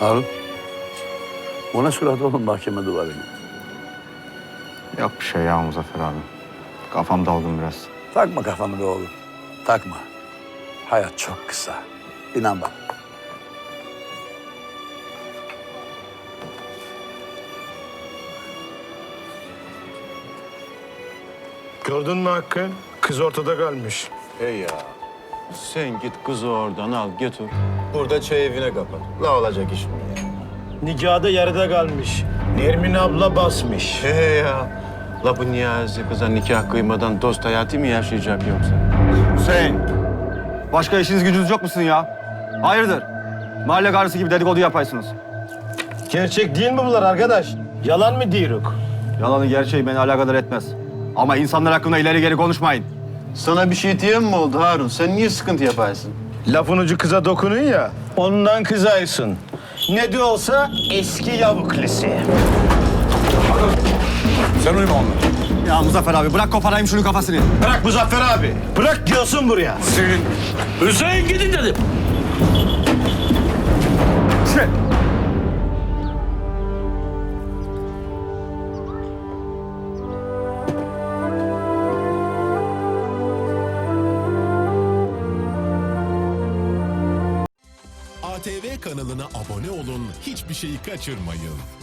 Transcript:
Harun. O ne surat oğlum mahkeme duvarına? Yok bir şey ya Muzaffer abi. Kafam dalgın biraz. Takma kafanı be oğlum. Takma. Hayat çok kısa. İnan bak. Gördün mü Hakkı? Kız ortada kalmış. Hey ya. Sen git kızı oradan al götür. Burada çay evine kapat. Ne olacak iş mi ya? Nikahda yarıda kalmış. Nermin abla basmış. Hey ya. La bu Niyazi kıza nikah kıymadan dost hayatı mı yaşayacak yoksa? Hüseyin. Başka işiniz gücünüz yok musun ya? Hayırdır? Mahalle karısı gibi dedikodu yapaysınız. Gerçek değil mi bunlar arkadaş? Yalan mı diyoruk? Yalanı gerçeği beni alakadar etmez. Ama insanlar hakkında ileri geri konuşmayın. Sana bir şey diyen mi oldu Harun? Sen niye sıkıntı yaparsın? Lafın ucu kıza dokunuyor ya. Ondan kızaysın. Ne de olsa eski yavuklisi. Sen uyma onunla. Ya Muzaffer abi bırak koparayım şunun kafasını. Bırak Muzaffer abi. Bırak diyorsun buraya. Hüseyin gidin dedim. ATV kanalına abone olun, hiçbir şeyi kaçırmayın.